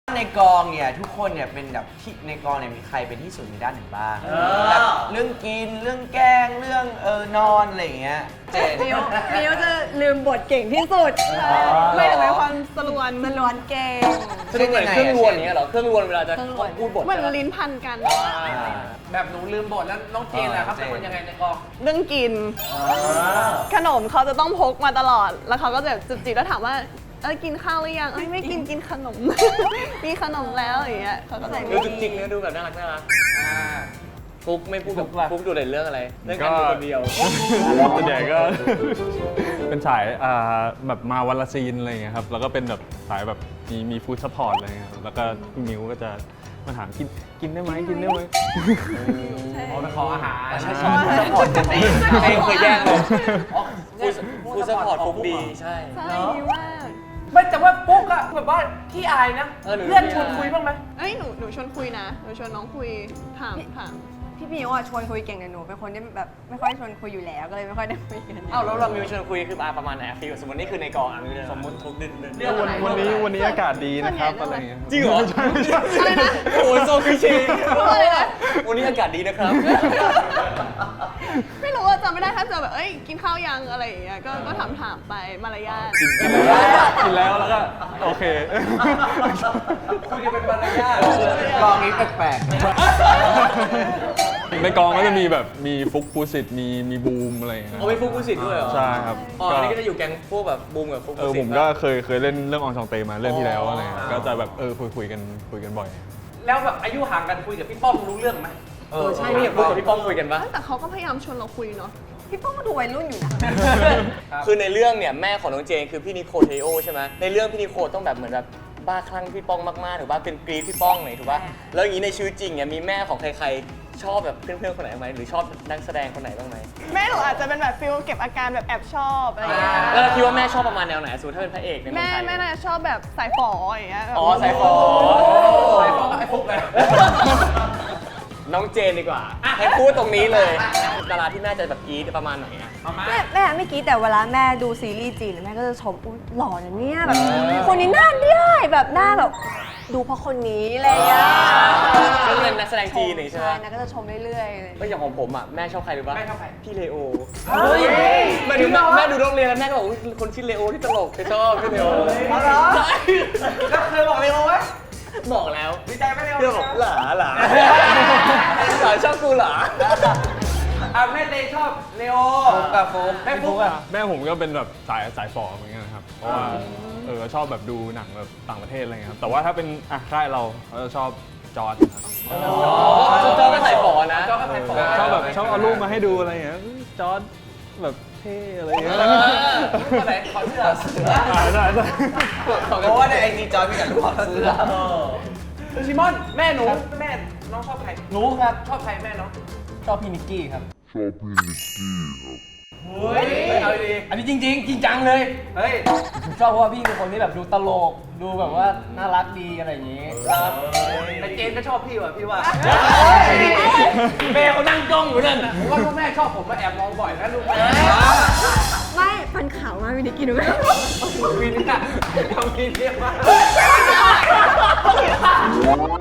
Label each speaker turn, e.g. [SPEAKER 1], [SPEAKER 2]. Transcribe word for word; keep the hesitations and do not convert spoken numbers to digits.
[SPEAKER 1] ในกองเนี่ยทุกคนเนี่ยเป็นแบบที่ในกองเนี่ยมีใครเป็นที่สุดในด้านไหนบ้างแบบเรื่องกินเรื่องแกล้งเรื่องเออนอนอะไรอย่างเงี้ยเจน
[SPEAKER 2] มิวมิวจะลืมบทเก่งที่สุดไม่ถึงเป็นความสลวนสลวนเก่ง
[SPEAKER 3] คือเหมือนเครื่องรวนอย่างเงี้ยเหรอเครื่องรวนเวลาจะต้องพูดบท
[SPEAKER 2] เหมือนลิ้นพันกัน
[SPEAKER 4] แบบหนูลืมบทแล้วน้องเจนแหละครับเป็นคนยังไงในกอง
[SPEAKER 2] เรื่องกินขนมเขาจะต้องพกมาตลอดแล้วเขาก็จะจุบจิบแล้วถามว่าเออกินข้าวหรือยังเอ้ยไม่กินกินขนม มีขนมแล้วอย่างเงี้ยเขาก็ใส่
[SPEAKER 3] ดูจริงๆเนี่ยดูแบบน่ารักน่ารักฟุกไม่พูดกับฟุกดูในเรื่องอะไรเรื่องการดูคนเดียว
[SPEAKER 5] ส่วนใหญ่ก็ เป็นสายอ่าแบบมาวันละซีนอะไรอย่างเงี้ยครับแล้วก็เป็นแบบสายแบบมีมีฟู้ดซัพพอร์ตอะไรเงี้ยครับแล้วก็พี่มิวก็จะมาถามกินกินได้ไหมกินได้ไหม
[SPEAKER 4] อ๋อไปขออาหาร
[SPEAKER 3] ใช่ใช่ซัพพอร์ตกันดีเองเคยแย่งเลยฟู้ดซัพพอร์ตฟุกดีใช่
[SPEAKER 2] ใช่ดีมาก
[SPEAKER 4] ไม่แต่ว่าปุ๊กอะแบบว่าขี้อายนะเพื่อนชวนคุยบ้างไหม
[SPEAKER 2] เอ้ยหนูหนูชวนคุยนะหนูชวนน้องคุยถามถาม
[SPEAKER 6] พี่มิวอ่ะชวนคุยเก่งแต่หนูเป็นคนที่แบบไม่ค่อยชวนคุยอยู่แล้วก็เลยไม่ค่อยได้คุยกัน
[SPEAKER 3] เอ้าแล้วเรามิวชวนคุยคือประมาณไหนฟิลสมมตินี่คือในกองอ่ะมิวสมมติทุกเดือน
[SPEAKER 4] เรื่อง
[SPEAKER 5] วัน
[SPEAKER 4] อะไร
[SPEAKER 5] วันนี้วันนี้อากาศดีนะครับอะไรเงี้ย
[SPEAKER 3] จริงเหรอ
[SPEAKER 2] อะไรนะ
[SPEAKER 3] โอ้ยโซคลิเช่
[SPEAKER 2] อะไรนะ
[SPEAKER 3] วันนี้อากาศดีนะครับ
[SPEAKER 2] ไม่รู้ว่าจำไม่ได้ถ้าเจอแบบเอ้ยกินข้าวยังอะไรอย่างเงี้ยก็ก็ถามถามไปมารยาท
[SPEAKER 5] กินแล้วกินแล้วแล้วก็โอเค
[SPEAKER 4] คุยกันเป็นมารยาท
[SPEAKER 1] กองนี้แปลก
[SPEAKER 5] ในกองก็จะมีแบบมีฟุกฟูสิตมีมีบูมอะไรอย่างเงี้ย
[SPEAKER 3] เอาไปฟุกกุศิษด้วยเหรอ
[SPEAKER 5] ใช่ครับ
[SPEAKER 3] อ๋ออันนี้ก็จะอยู่แก๊งพวกแบบบูมกับฟุก
[SPEAKER 5] เออผมก็เคยเคยเล่นเรื่องอองชองเตมาเรื่องที่แล้วอะไรเงี้ยก็จะแบบเออคุยคุยกันคุยกันบ่อย
[SPEAKER 4] แล้วแบบอายุห่างกันคุยกับพี่ป้อมรู้เรื่องไหม
[SPEAKER 1] ๆ
[SPEAKER 3] เออใช่พี่อยากพูดกับพี่ป้อมคุยกันปะ
[SPEAKER 2] แต่เขาก็พยายามชวนเราคุยเนาะ
[SPEAKER 6] พี่ป้องก็ดูวัยรุ่นอยู่นะ
[SPEAKER 3] คือในเรื่องเนี่ยแม่ของน้องเจนคือพี่นิโคเทโอใช่ไหมในเรื่องพี่นิโคต้องแบบเหมือนแบบบ้าคลั่งพี่ป้องมากๆถูกป่ะเป็นกรีดพี่ป้องหน่อยถูกป่ะแล้วอย่างนี้ในชีวิตจริงเนี่ยมีแม่ของใครๆชอบแบบเพื่อนๆคนไหนไหมหรือชอบนักแสดงคนไหนบ้างไหม
[SPEAKER 2] แม่หนูอาจจะเป็นแบบฟิลเก็บอาการแบบแอบชอบอะไรอย่างเงี้ย
[SPEAKER 3] แล้วเราคิดว่าแม่ชอบประมาณแนวไหนสมมติถ้าเป็นพระเอกในเมือ
[SPEAKER 2] แม่
[SPEAKER 3] งไทย
[SPEAKER 2] แม่น่าจะชอบแบบสายฝออย่างเงี้ยแบบ
[SPEAKER 3] อ๋อสายฝอ
[SPEAKER 4] ไอ้ป้อมไอ้ฟุกเลย
[SPEAKER 3] น้องเจนดีกว่าให้พูดตรงนี้เลยดาราที่แม่จะแบบกรีดประมาณไหนอะ
[SPEAKER 4] มามา
[SPEAKER 6] แม่แม่ไม่กี้แต่เวลาแม่ดูซีรีส์จีนแม่ก็จะชมอุ๊ยหล่อนะเนี่ยแบบคนนี้หน้าได้แบบหน้าแบบดูเพราะคนนี้อะไรอย่างเงี้ย
[SPEAKER 3] ก็เป็นนักแสดงจีนนี่ใช่ไหม
[SPEAKER 6] นะก็จะชมเรื่อยๆเลย
[SPEAKER 3] ก็อย่างของผมอ่ะแม่ชอบใครรู้ป่ะ
[SPEAKER 4] แม่ชอบใคร
[SPEAKER 3] พี่เลโอ
[SPEAKER 4] เฮ้ย
[SPEAKER 3] แม่ดูแม่ดูโรงเรียนแล้วแม่ก็บอกอุ๊ยคนชื่อเลโอที่ตลกเคยชอบพี่เลโอ
[SPEAKER 4] เอาเหรอแล้วเคยบอกเลยไหม
[SPEAKER 3] บอกแล้ว
[SPEAKER 4] ดีใจไหมเนี่ย
[SPEAKER 3] พี่บอกหลาหลาหลาชอบกูหลา
[SPEAKER 4] อ่ะแม่เตชอบเลโอ
[SPEAKER 1] ฟุกกับฟุก
[SPEAKER 4] แม่ฟุกอะ
[SPEAKER 5] แม่ผมก็เป็นแบบสายสายฝอเหมือนกันนะครับเพราะว่าเออชอบแบบดูหนังแบบต่างประเทศอะไรเงี้ยครับแต่ว่าถ้าเป็นอ่ะค่ายเราเราจะชอบจอร์ดครับ
[SPEAKER 3] จอก็ใส่ฝอนะ
[SPEAKER 4] จอก็ใส่ฝอ
[SPEAKER 5] ชอบแบบชอบเอารูปมาให้ดูอะไรอย่างเงี้ยจอร์ดแบบเท่อะไรอย่างเงี้ย
[SPEAKER 4] คนไหนขอเสื้อ
[SPEAKER 5] อ่าได้ได้
[SPEAKER 1] เพราะว่าในไอจีจอยมีแต่รูปเสื้อ
[SPEAKER 4] ชิมอนแม่หนูแม่น้องชอบใครหนูครับชอบใครแม่น้อง
[SPEAKER 3] ชอบพี่นิกกี้ครับ
[SPEAKER 4] เฮ้ยเอาดี
[SPEAKER 3] อันนี้จริงๆจริงจังเลย
[SPEAKER 4] เฮ้ย
[SPEAKER 3] ชอบเพราะว่าพี่เป็นคนที่แบบดูตลก ดูแบบว่าน่ารักดีอะไรอย่างงี้
[SPEAKER 4] ครับแต่เจนก็ชอบพี่ว่ะพี่ว่า
[SPEAKER 3] แม่เขานั่งจ้องอยู่นั่นน่ะ
[SPEAKER 4] ผมว่าพ่อแม่ชอบผมมาแอบมองบ่อยนะลูกแม่
[SPEAKER 6] ไม่ฟันขาวมากวินิกินดูไหม
[SPEAKER 4] วินน่ะทำวินเรียกว่า